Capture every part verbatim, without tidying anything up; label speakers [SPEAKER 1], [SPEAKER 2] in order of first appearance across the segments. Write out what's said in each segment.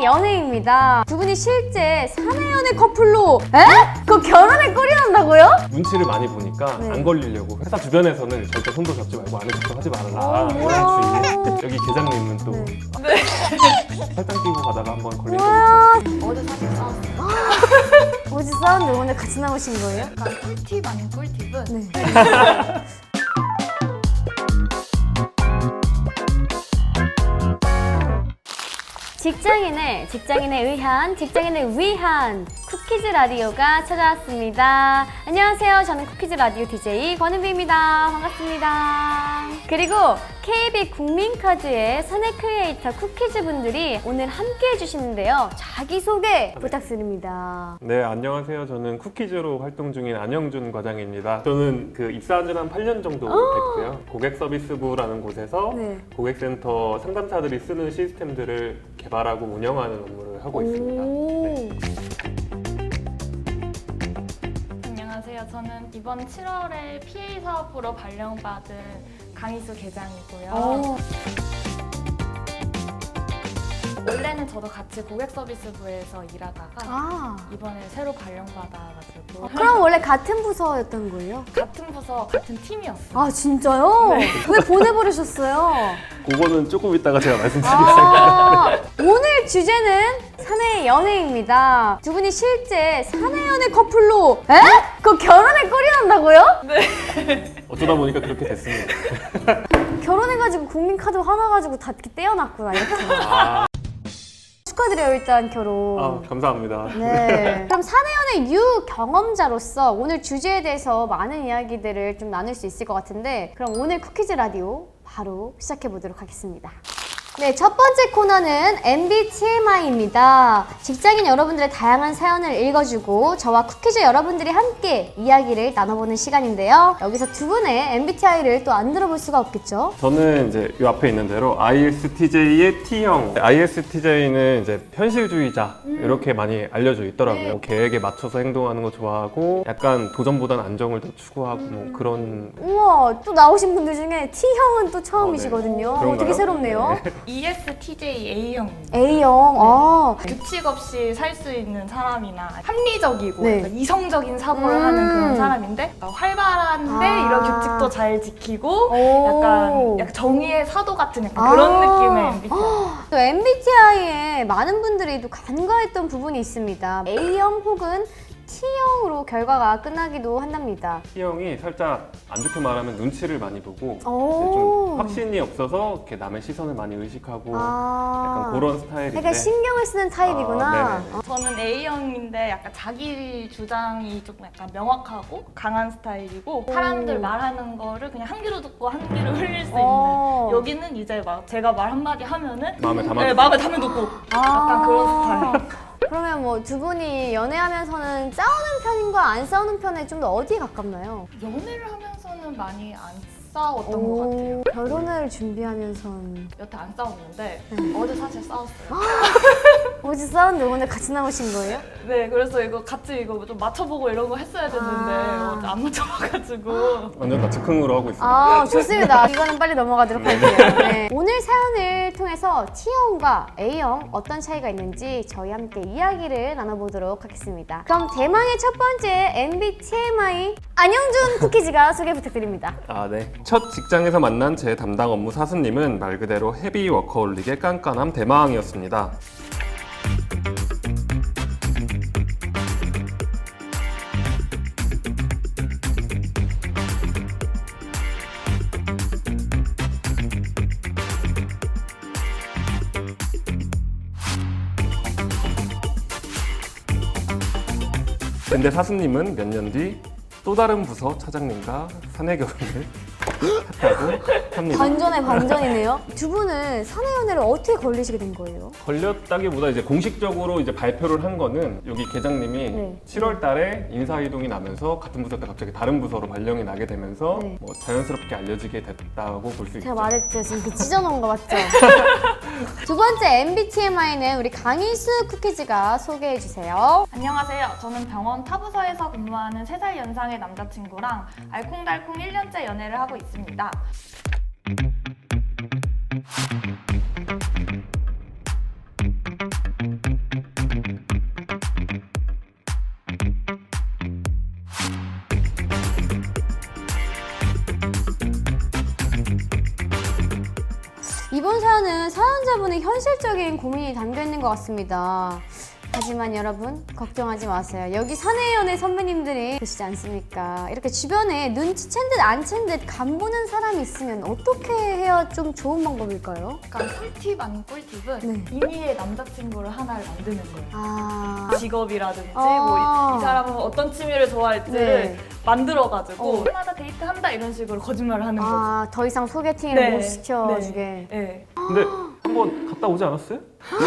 [SPEAKER 1] 연애입니다. 두 분이 실제 사내 연애 커플로 에? 그 결혼에 꼴이 난다고요?
[SPEAKER 2] 눈치를 많이 보니까
[SPEAKER 1] 네.
[SPEAKER 2] 안 걸리려고 회사 주변에서는 절대 손도 잡지 말고 아는 척도 하지 말아라
[SPEAKER 1] 어,
[SPEAKER 2] 이런
[SPEAKER 1] 뭐야.
[SPEAKER 2] 주의. 여기 계장님은 또
[SPEAKER 1] 네.
[SPEAKER 2] 팔짱 끼고 가다가 한번 걸린 적
[SPEAKER 1] 우와.
[SPEAKER 2] 있어요.
[SPEAKER 3] 어제 사실 싸웠어요.
[SPEAKER 1] 어제 싸웠는데 오늘 같이 나오신 거예요?
[SPEAKER 3] 약간 꿀팁 아닌 꿀팁은
[SPEAKER 1] 네. 직장인의 직장인에 의한 직장인을 위한 쿠키즈 라디오가 찾아왔습니다. 안녕하세요. 저는 쿠키즈 라디오 디제이 권은비입니다. 반갑습니다. 그리고 케이비 국민카드의 사내 크리에이터 쿠키즈 분들이 오늘 함께 해주시는데요. 자기소개 부탁드립니다.
[SPEAKER 2] 네, 안녕하세요. 저는 쿠키즈로 활동 중인 안영준 과장입니다. 저는 그 입사한 지 한 팔 년 정도 됐고요. 고객 서비스부라는 곳에서
[SPEAKER 1] 네.
[SPEAKER 2] 고객센터 상담사들이 쓰는 시스템들을 개발하고 운영하는 업무를 하고 있습니다. 네.
[SPEAKER 3] 안녕하세요. 저는 이번 칠월에 피에이 사업부로 발령받은 강희수 계장이고요.
[SPEAKER 1] 오.
[SPEAKER 3] 원래는 저도 같이 고객 서비스부에서 일하다가
[SPEAKER 1] 아,
[SPEAKER 3] 이번에 새로 발령받아가지고
[SPEAKER 1] 그럼 원래 같은 부서였던 거예요?
[SPEAKER 3] 같은 부서 같은 팀이었어요.
[SPEAKER 1] 아, 진짜요? 왜 보내버리셨어요?
[SPEAKER 2] 그거는 조금 이따가 제가 말씀드리겠습니다.
[SPEAKER 1] 아, 오늘 주제는 사내 연애입니다. 두 분이 실제 사내 연애 커플로 에? 그 결혼에 꼴이 난다고요?
[SPEAKER 2] 어쩌다 보니까 그렇게 됐습니다.
[SPEAKER 1] 결혼해가지고 국민카드 하나 가지고 다 이렇게 떼어놨구나 이렇게.
[SPEAKER 2] 아,
[SPEAKER 1] 축하드려요 일단 결혼.
[SPEAKER 2] 아, 감사합니다.
[SPEAKER 1] 네. 그럼 사내연애 유 경험자로서 오늘 주제에 대해서 많은 이야기들을 좀 나눌 수 있을 것 같은데, 그럼 오늘 쿠키즈 라디오 바로 시작해 보도록 하겠습니다. 네, 첫 번째 코너는 엠비티엠아이입니다. 직장인 여러분들의 다양한 사연을 읽어주고 저와 쿠키즈 여러분들이 함께 이야기를 나눠보는 시간인데요. 여기서 두 분의 엠비티아이를 또 안 들어볼 수가 없겠죠?
[SPEAKER 2] 저는 이제 이 앞에 있는 대로 아이에스티제이의 T형. 아이에스티제이는 이제 현실주의자 이렇게 많이 알려져 있더라고요.
[SPEAKER 1] 네.
[SPEAKER 2] 계획에 맞춰서 행동하는 거 좋아하고 약간 도전보다는 안정을 더 추구하고 뭐 그런.
[SPEAKER 1] 우와, 또 나오신 분들 중에 T형은 또 처음이시거든요.
[SPEAKER 2] 어, 네.
[SPEAKER 1] 어, 되게
[SPEAKER 2] 그런가요?
[SPEAKER 1] 새롭네요.
[SPEAKER 2] 네.
[SPEAKER 3] 이에스티제이 에이형입니다.
[SPEAKER 1] A형, 아.
[SPEAKER 3] 규칙 없이 살 수 있는 사람이나 합리적이고
[SPEAKER 1] 네.
[SPEAKER 3] 약간 이성적인 사고를
[SPEAKER 1] 음.
[SPEAKER 3] 하는 그런 사람인데 약간 활발한데
[SPEAKER 1] 아.
[SPEAKER 3] 이런 규칙도 잘 지키고
[SPEAKER 1] 오.
[SPEAKER 3] 약간, 약간 정의의 사도 같은 약간
[SPEAKER 1] 아.
[SPEAKER 3] 그런 느낌의 엠비티아이.
[SPEAKER 1] 또 엠비티아이에 많은 분들이 또 간과했던 부분이 있습니다. A형 혹은 T형으로 결과가 끝나기도 한답니다.
[SPEAKER 2] T형이 살짝 안 좋게 말하면 눈치를 많이 보고
[SPEAKER 1] 오.
[SPEAKER 2] 좀 확신이 없어서 이렇게 남의 시선을 많이 의식하고
[SPEAKER 1] 아.
[SPEAKER 2] 약간 그런 스타일인데.
[SPEAKER 1] 약간 신경을 쓰는 타입이구나.
[SPEAKER 2] 아, 네네네.
[SPEAKER 3] 저는 A형인데 약간 자기 주장이 조금 약간 명확하고 강한 스타일이고 사람들 말하는 거를 그냥 한 귀로 듣고 한 귀로 흘릴 수
[SPEAKER 1] 어.
[SPEAKER 3] 있는, 여기는 이제 막 제가 말 한마디 하면은
[SPEAKER 2] 마음에 담아.
[SPEAKER 3] 네, 마음에 담에 놓고 약간 그런 스타일.
[SPEAKER 1] 그러면 뭐 두 분이 연애하면서는 싸우는 편인가 안 싸우는 편에 좀 더 어디에 가깝나요?
[SPEAKER 3] 연애를 하면서는 많이 안 싸웠던 것 같아요.
[SPEAKER 1] 결혼을 준비하면선
[SPEAKER 3] 여태 안 싸웠는데
[SPEAKER 1] 네.
[SPEAKER 3] 어제 사실 싸웠어요.
[SPEAKER 1] 어제 싸웠는데 오늘 같이 나오신 거예요?
[SPEAKER 3] 네, 그래서 이거 같이 이거 좀 맞춰보고 이런 거 했어야 됐는데
[SPEAKER 1] 아.
[SPEAKER 3] 어제 안 맞춰봐가지고
[SPEAKER 2] 완전 다 즉흥으로 하고 있습니다.
[SPEAKER 1] 아, 좋습니다. 이거는 빨리 넘어가도록 할게요. 네. 오늘 사연을 통해서 T형과 A형 어떤 차이가 있는지 저희 함께 이야기를 나눠보도록 하겠습니다. 그럼 대망의 첫 번째 엠비티엠아이 안영준 쿠키즈가 소개 부탁드립니다.
[SPEAKER 2] 아, 네. 첫 직장에서 만난 제 담당 업무 사수님은 말 그대로 헤비 워커홀릭의 깐깐함 대마왕이었습니다. 근데 사수님은 몇 년 뒤 또 다른 부서 차장님과 사내 결혼을 했다고 합니다.
[SPEAKER 1] 반전의 반전이네요. 두 분은 사내연애를 어떻게 걸리시게 된 거예요?
[SPEAKER 2] 걸렸다기보다 이제 공식적으로 이제 발표를 한 거는 여기 계장님이
[SPEAKER 1] 네.
[SPEAKER 2] 칠월 달에 인사 이동이 나면서 같은 부서였다 갑자기 다른 부서로 발령이 나게 되면서
[SPEAKER 1] 네.
[SPEAKER 2] 뭐 자연스럽게 알려지게 됐다고 볼 수 있죠.
[SPEAKER 1] 제가 말했죠. 지금 그 찢어놓은 거 맞죠? 두 번째 엠비티엠아이는 우리 강희수 쿠키즈가 소개해 주세요.
[SPEAKER 3] 안녕하세요. 저는 병원 타부서에서 근무하는 세 살 연상의 남자친구랑 알콩달콩 일 년째 연애를 하고 있습니다.
[SPEAKER 1] 사연은 사연자분의 현실적인 고민이 담겨 있는 것 같습니다. 하지만 여러분 걱정하지 마세요. 여기 사내연애 선배님들이 계시지 않습니까? 이렇게 주변에 눈치챈 듯 안 챈 듯 간보는 사람이 있으면 어떻게 해야 좀 좋은 방법일까요?
[SPEAKER 3] 약간 꿀팁 아닌 꿀팁은
[SPEAKER 1] 네.
[SPEAKER 3] 임의의 남자친구를 하나를 만드는 거예요.
[SPEAKER 1] 아,
[SPEAKER 3] 직업이라든지
[SPEAKER 1] 아.
[SPEAKER 3] 뭐 이 사람은 어떤 취미를 좋아할지를
[SPEAKER 1] 네.
[SPEAKER 3] 만들어가지고
[SPEAKER 1] 어.
[SPEAKER 3] 해마다 데이트한다 이런 식으로 거짓말을 하는 거죠.
[SPEAKER 1] 아, 더 이상 소개팅을
[SPEAKER 3] 네.
[SPEAKER 1] 못 시켜주게.
[SPEAKER 3] 네.
[SPEAKER 2] 근데 한번 갔다 오지 않았어요?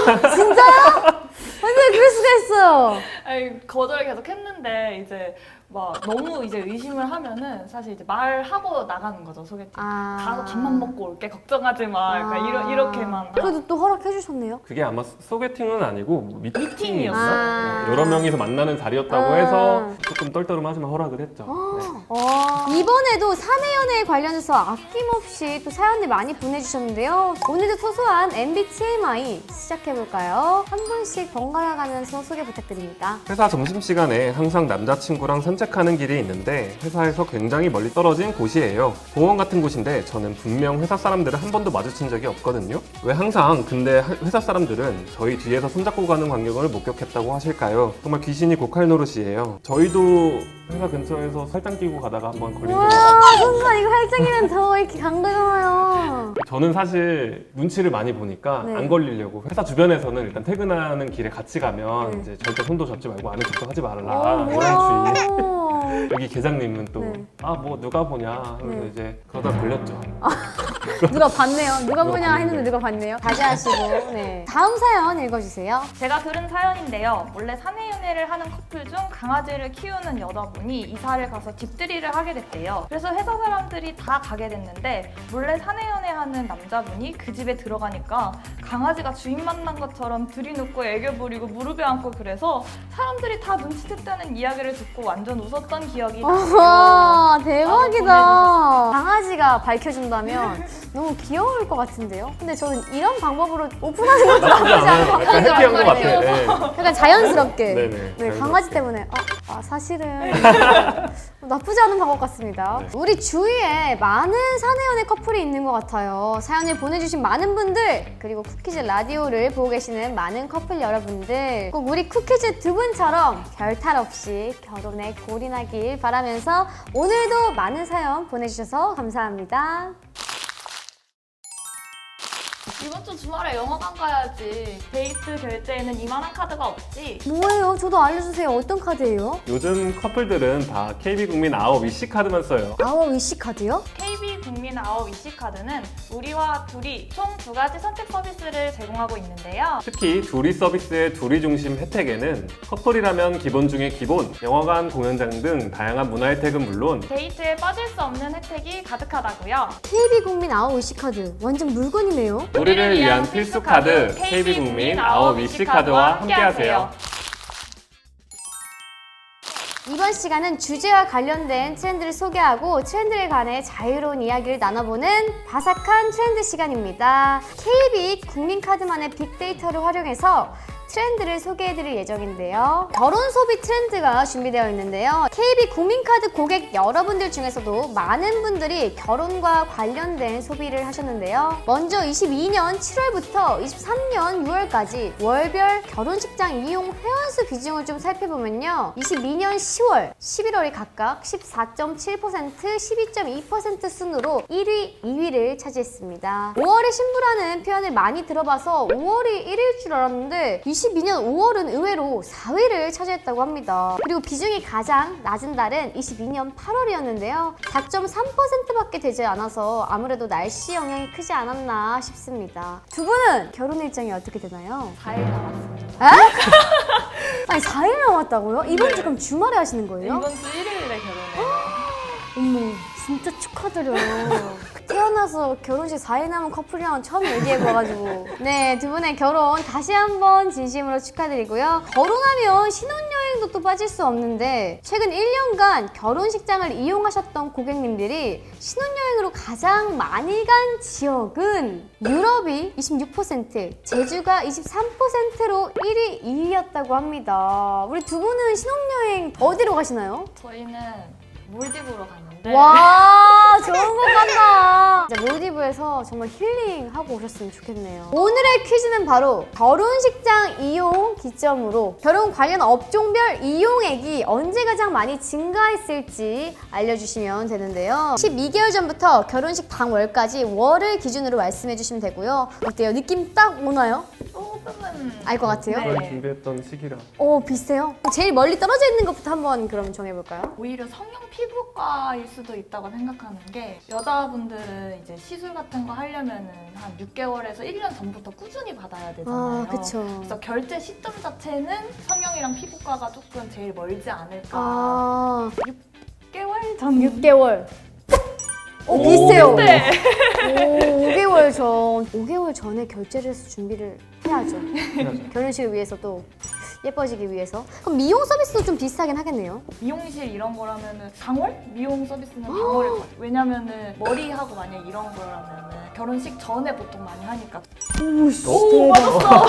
[SPEAKER 1] 근데 그럴 수가 있어요.
[SPEAKER 3] 아니, 거절을 계속 했는데 이제 막 너무 이제 의심을 하면은 사실 이제 말하고 나가는 거죠, 소개팅.
[SPEAKER 1] 아.
[SPEAKER 3] 가서 밥만 먹고 올게, 걱정하지 마. 약간
[SPEAKER 1] 아.
[SPEAKER 3] 이러, 이렇게만.
[SPEAKER 1] 그래도 또 허락해 주셨네요.
[SPEAKER 2] 그게 아마 소개팅은 아니고 미팅이었나?
[SPEAKER 3] 미팅이었어요.
[SPEAKER 1] 아.
[SPEAKER 2] 네, 여러 명이서 만나는 자리였다고
[SPEAKER 1] 아.
[SPEAKER 2] 해서 조금 떨떠름하지만 허락을 했죠. 네.
[SPEAKER 1] 어, 이번에도 사내연애에 관련해서 아낌없이 또 사연을 많이 보내주셨는데요. 오늘도 소소한 엠비티아이 시작해볼까요? 한 분씩 번갈아 가면서 소개 부탁드립니다.
[SPEAKER 2] 회사 점심시간에 항상 남자친구랑 산책하는 길이 있는데 회사에서 굉장히 멀리 떨어진 곳이에요. 공원 같은 곳인데 저는 분명 회사 사람들을 한 번도 마주친 적이 없거든요. 왜 항상 근데 회사 사람들은 저희 뒤에서 손잡고 가는 광경을 목격했다고 하실까요? 정말 귀신이 고칼 노릇이에요. 저희도 회사 근처에서 설탕 끼고 가다가 한번 걸린 적이 있어요.
[SPEAKER 1] 와, 선사 이거 활짝이면 더 이렇게 강하잖아요.
[SPEAKER 2] 저는 사실 눈치를 많이 보니까
[SPEAKER 1] 네.
[SPEAKER 2] 안 걸리려고 회사 주변에서는 일단 퇴근하는 길에 같이 가면
[SPEAKER 1] 네.
[SPEAKER 2] 이제 절대 손도 잡지 말고 안에 접촉하지 말라
[SPEAKER 1] 어,
[SPEAKER 2] 이런 주의.
[SPEAKER 1] 뭐야.
[SPEAKER 2] 여기 계장님은 또
[SPEAKER 1] 네.
[SPEAKER 2] 아 뭐 누가 보냐 그래서
[SPEAKER 1] 네.
[SPEAKER 2] 이제 그러다 걸렸죠.
[SPEAKER 1] 누가 봤네요. 누가
[SPEAKER 2] 누가
[SPEAKER 1] 보냐
[SPEAKER 2] 봤는데.
[SPEAKER 1] 했는데 누가 봤네요. 다시 하시고. 네. 다음 사연 읽어주세요.
[SPEAKER 3] 제가 들은 사연인데요. 원래 사내 연애를 하는 커플 중 강아지를 키우는 여자분이 이사를 가서 집들이를 하게 됐대요. 그래서 회사 사람들이 다 가게 됐는데 몰래 사내 연애하는 남자분이 그 집에 들어가니까 강아지가 주인 만난 것처럼 들이눕고 애교 부리고 무릎에 앉고 그래서 사람들이 다 눈치챘다는 이야기를 듣고 완전 웃었던 기억이 나요.
[SPEAKER 1] 와, 대박이다.
[SPEAKER 3] 보내주셨어요.
[SPEAKER 1] 강아지가 밝혀준다면 너무 귀여울 것 같은데요? 근데 저는 이런 방법으로 오픈하는 것도
[SPEAKER 2] 나쁘지
[SPEAKER 1] 나쁘지 않은 것
[SPEAKER 2] 않아요. 약간
[SPEAKER 1] 같아요.
[SPEAKER 2] 해피한 것 같아요. 네.
[SPEAKER 1] 약간 자연스럽게.
[SPEAKER 2] 네네,
[SPEAKER 1] 네,
[SPEAKER 2] 자연스럽게.
[SPEAKER 1] 강아지 때문에 아, 아, 사실은 나쁘지 않은 방법 같습니다.
[SPEAKER 2] 네.
[SPEAKER 1] 우리 주위에 많은 사내연애 커플이 있는 것 같아요. 사연을 보내주신 많은 분들 그리고 쿠키즈 라디오를 보고 계시는 많은 커플 여러분들 꼭 우리 쿠키즈 두 분처럼 별탈 없이 결혼에 골인하길 바라면서 오늘도 많은 사연 보내주셔서 감사합니다.
[SPEAKER 3] 이번 주 주말에 영화관 가야지. 데이트 결제에는 이만한 카드가 없지.
[SPEAKER 1] 뭐예요? 저도 알려주세요. 어떤 카드예요?
[SPEAKER 2] 요즘 커플들은 다 케이비국민 아홉 위시 카드만 써요.
[SPEAKER 1] 아워 위시 카드요?
[SPEAKER 3] 케이비 국민 아홉 이씨 카드는 우리와 둘이 총 두 가지 선택 서비스를 제공하고 있는데요.
[SPEAKER 2] 특히 둘이 서비스의 둘이 중심 혜택에는 커플이라면 기본 중에 기본, 영화관, 공연장 등 다양한 문화 혜택은 물론
[SPEAKER 3] 데이트에 빠질 수 없는 혜택이 가득하다고요.
[SPEAKER 1] 케이비국민 아워 위시 카드 완전 물건이네요.
[SPEAKER 2] 우리를 위한 필수 카드 케이비국민 아홉 위시 카드와 함께하세요.
[SPEAKER 1] 이번 시간은 주제와 관련된 트렌드를 소개하고 트렌드에 관해 자유로운 이야기를 나눠보는 바삭한 트렌드 시간입니다. 케이비 국민카드만의 빅데이터를 활용해서 트렌드를 소개해드릴 예정인데요. 결혼 소비 트렌드가 준비되어 있는데요. 케이비 국민카드 고객 여러분들 중에서도 많은 분들이 결혼과 관련된 소비를 하셨는데요. 먼저 이십이 년 칠월부터 이십삼 년 유월까지 월별 결혼식장 이용 회원수 비중을 좀 살펴보면요. 이십이 년 시월, 십일월이 각각 십사 점 칠 퍼센트, 십이 점 이 퍼센트 순으로 일 위, 이 위를 차지했습니다. 오월에 신부라는 표현을 많이 들어봐서 오월이 일 위일 줄 알았는데 이십이 년 오월은 의외로 사 위를 차지했다고 합니다. 그리고 비중이 가장 낮은 달은 이십이 년 팔월이었는데요. 사 점 삼 퍼센트밖에 되지 않아서 아무래도 날씨 영향이 크지 않았나 싶습니다. 두 분은 결혼 일정이 어떻게 되나요?
[SPEAKER 3] 사 일 남았습니다.
[SPEAKER 1] 아니 사 일 남았다고요? 이번
[SPEAKER 3] 네.
[SPEAKER 1] 주 그럼 주말에 하시는 거예요?
[SPEAKER 3] 이번 주 일요일에 결혼해요.
[SPEAKER 1] 어머 진짜 축하드려요. 태어나서 결혼식 사 일 남은 커플이랑 처음 얘기해봐가지고 네, 두 분의 결혼 다시 한번 진심으로 축하드리고요. 결혼하면 신혼여행도 또 빠질 수 없는데 최근 일 년간 결혼식장을 이용하셨던 고객님들이 신혼여행으로 가장 많이 간 지역은 유럽이 이십육 퍼센트, 제주가 이십삼 퍼센트로 일 위, 이 위였다고 합니다. 우리 두 분은 신혼여행 어디로 가시나요?
[SPEAKER 3] 저희는 몰디브로 가는데 있는데
[SPEAKER 1] 와, 좋은 것 같다. 이제 몰디브에서 정말 힐링하고 오셨으면 좋겠네요. 오늘의 퀴즈는 바로 결혼식장 이용 기점으로 결혼 관련 업종별 이용액이 언제 가장 많이 증가했을지 알려주시면 되는데요. 십이 개월 전부터 결혼식 당월까지 월을 기준으로 말씀해 주시면 되고요. 어때요? 느낌 딱 오나요?
[SPEAKER 3] 조금은
[SPEAKER 1] 알 것 같아요?
[SPEAKER 3] 네.
[SPEAKER 2] 그걸 준비했던 시기라.
[SPEAKER 1] 오, 비슷해요? 제일 멀리 떨어져 있는 것부터 한번 그럼 정해볼까요?
[SPEAKER 3] 오히려 성형 피부과일 수도 있다고 생각하는 게 여자분들은 이제 시술 같은 거 하려면은 한 육 개월에서 일 년 전부터 꾸준히 받아야 되잖아요.
[SPEAKER 1] 아, 그쵸.
[SPEAKER 3] 그래서 결제 시점 자체는 성형이랑 피부과가 조금 제일 멀지 않을까.
[SPEAKER 1] 아,
[SPEAKER 3] 육 개월 전.
[SPEAKER 1] 육 개월. 오,
[SPEAKER 2] 오,
[SPEAKER 1] 비슷해요.
[SPEAKER 3] 네.
[SPEAKER 1] 오, 오 개월 전. 오 개월 전에 결제를 해서 준비를 해야죠.
[SPEAKER 2] 해야죠.
[SPEAKER 1] 결혼식을 위해서 또 예뻐지기 위해서. 그럼 미용 서비스도 좀 비슷하긴 하겠네요.
[SPEAKER 3] 미용실 이런 거라면은 당월? 미용 서비스는 당월일 것 같아요. 왜냐면은 머리하고 만약 이런 거라면은 결혼식 전에 보통 많이 하니까.
[SPEAKER 1] 오씨,
[SPEAKER 3] 오, 맞았어.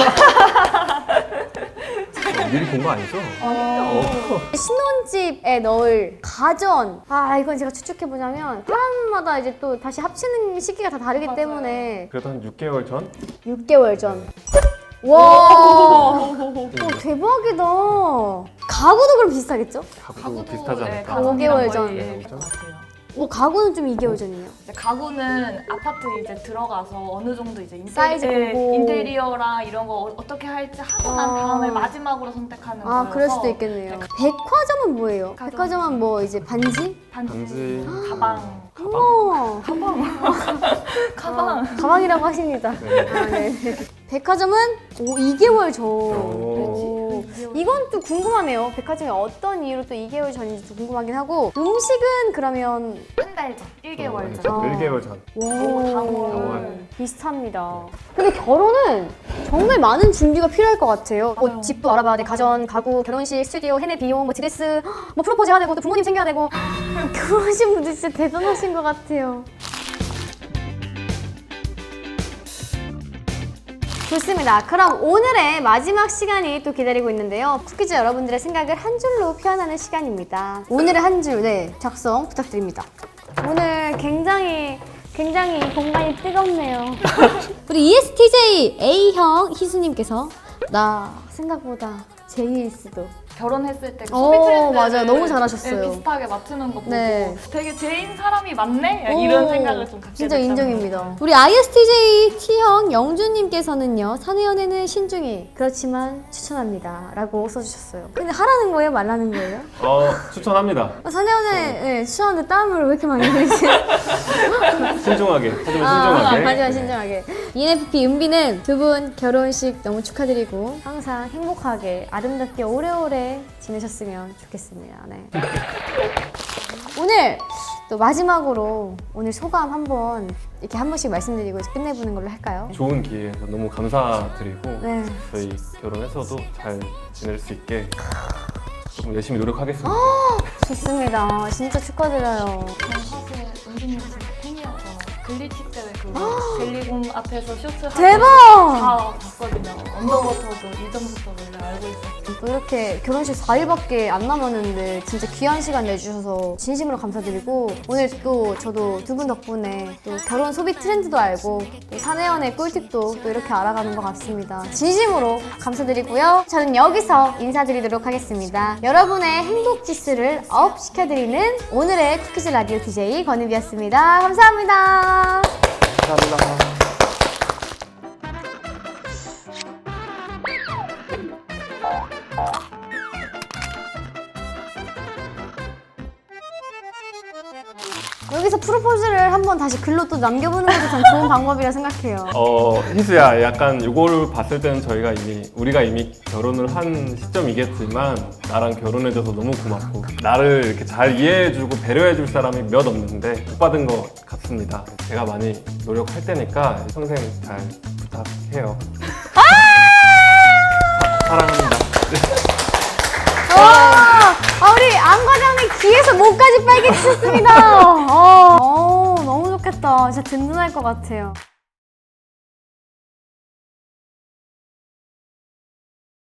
[SPEAKER 2] 미리 본 거 아니죠?
[SPEAKER 1] 어. 신혼집에 넣을 가전. 아, 이건 제가 추측해보자면 사람마다 이제 또 다시 합치는 시기가 다 다르기
[SPEAKER 3] 맞아요.
[SPEAKER 1] 때문에
[SPEAKER 2] 그래도 한 육 개월 전?
[SPEAKER 1] 육 개월 전. 와, 오, 대박이다. 가구도 그럼 비슷하겠죠?
[SPEAKER 2] 가구도 비슷하지
[SPEAKER 3] 네,
[SPEAKER 2] 않을까?
[SPEAKER 1] 오 개월 전.
[SPEAKER 3] 예, 비슷한 것 같아요.
[SPEAKER 1] 오, 가구는 좀 이 개월 전이에요.
[SPEAKER 3] 이제 가구는 아파트 이제 들어가서 어느 정도 이제 인테리,
[SPEAKER 1] 사이즈
[SPEAKER 3] 예,
[SPEAKER 1] 보고.
[SPEAKER 3] 인테리어랑 이런 거 어- 어떻게 할지 하고 난
[SPEAKER 1] 아.
[SPEAKER 3] 다음에 마지막으로 선택하는 거여서
[SPEAKER 1] 아, 그럴 수도 있겠네요. 백화점은 뭐예요?
[SPEAKER 3] 백화점.
[SPEAKER 1] 백화점은 뭐 이제 반지?
[SPEAKER 3] 반지,
[SPEAKER 2] 반지.
[SPEAKER 3] 가방,
[SPEAKER 1] 어머,
[SPEAKER 3] 가방.
[SPEAKER 1] 아, 가방이라고 하십니다.
[SPEAKER 2] 네.
[SPEAKER 1] 아, 네. 백화점은 오, 이 개월 전.
[SPEAKER 2] 오.
[SPEAKER 1] 오. 이건 또 궁금하네요. 백화점이 어떤 이유로 또 이 개월 전인지 도 궁금하긴 하고 음식은 그러면
[SPEAKER 3] 한 달 전, 일 개월 전.
[SPEAKER 1] 어.
[SPEAKER 2] 일 개월 전.
[SPEAKER 1] 오,
[SPEAKER 3] 당월.
[SPEAKER 1] 비슷합니다. 근데 결혼은 정말 많은 준비가 필요할 것 같아요. 뭐
[SPEAKER 3] 맞아요.
[SPEAKER 1] 집도 알아봐야 돼, 가전, 가구, 결혼식, 스튜디오, 해내 비용, 뭐 드레스, 뭐 프로포즈 해야 되고 또 부모님 챙겨야 되고 결혼하신 분들 진짜 대단하신 것 같아요. 좋습니다. 그럼 오늘의 마지막 시간이 또 기다리고 있는데요. 쿠키즈 여러분들의 생각을 한 줄로 표현하는 시간입니다. 오늘의 한 줄, 네, 작성 부탁드립니다. 오늘 굉장히 굉장히 공간이 뜨겁네요. 우리 이에스티제이 A형 희수님께서 나 생각보다 제이일 수도.
[SPEAKER 3] 결혼했을 때
[SPEAKER 1] 오,
[SPEAKER 3] 소비 트렌드
[SPEAKER 1] 맞아요. 너무 잘하셨어요.
[SPEAKER 3] 비슷하게 맞추는 거 보고
[SPEAKER 1] 네.
[SPEAKER 3] 되게 제인 사람이 많네? 이런
[SPEAKER 1] 오,
[SPEAKER 3] 생각을 좀 갖게
[SPEAKER 1] 진짜
[SPEAKER 3] 됐다는
[SPEAKER 1] 인정입니다. 우리 아이에스티제이 T형 영주님께서는요. 사내 연애는 신중히 그렇지만 추천합니다 라고 써주셨어요. 근데 하라는 거예요? 말라는 거예요?
[SPEAKER 2] 어, 추천합니다.
[SPEAKER 1] 사내 연애 네, 추천하는데 땀을 왜 이렇게 많이 흘리지?
[SPEAKER 2] 신중하게. 하지만
[SPEAKER 1] 아,
[SPEAKER 2] 신중하게.
[SPEAKER 1] 하지만 신중하게. 이엔에프피 은비는 두 분 결혼식 너무 축하드리고 항상 행복하게 아름답게 오래오래 지내셨으면 좋겠습니다. 네. 오늘 또 마지막으로 오늘 소감 한번 이렇게 한 번씩 말씀드리고 이제 끝내보는 걸로 할까요?
[SPEAKER 2] 좋은 기회에서 너무 감사드리고
[SPEAKER 1] 네.
[SPEAKER 2] 저희 결혼해서도 잘 지낼 수 있게 조금 열심히 노력하겠습니다.
[SPEAKER 1] 좋습니다. 진짜 축하드려요.
[SPEAKER 3] 저는 사실 은비님 진짜 팬이어서 글리치 때문에 그 젤리곰 앞에서 쇼트 하고
[SPEAKER 1] 대박!
[SPEAKER 3] 다 봤거든요. 언더워터도 이전부터 원래 알고 있었어요.
[SPEAKER 1] 또 이렇게 결혼식 사 일밖에 안 남았는데 진짜 귀한 시간 내주셔서 진심으로 감사드리고 오늘 또 저도 두 분 덕분에 또 결혼 소비 트렌드도 알고 또 사내연애 꿀팁도 또 이렇게 알아가는 것 같습니다. 진심으로 감사드리고요. 저는 여기서 인사드리도록 하겠습니다. 여러분의 행복 지수를 업 시켜드리는 오늘의 쿠키즈 라디오 디제이 권은비였습니다. 감사합니다.
[SPEAKER 2] 감사합니다.
[SPEAKER 1] 여기서 프로포즈를 한번 다시 글로 또 남겨보는 것도 참 좋은 방법이라 생각해요.
[SPEAKER 2] 어, 희수야, 약간 이거를 봤을 때는 저희가 이미, 우리가 이미 결혼을 한 시점이겠지만, 나랑 결혼해줘서 너무 고맙고, 나를 이렇게 잘 이해해주고 배려해줄 사람이 몇 없는데, 못 받은 것 같습니다. 제가 많이 노력할 테니까 평생 잘 부탁해요. 사- 사랑합니다.
[SPEAKER 1] 와, 아, 우리 안 과장님 귀에서 목까지 빨개지셨습니다. 어, 어, 너무 좋겠다. 진짜 든든할 것 같아요.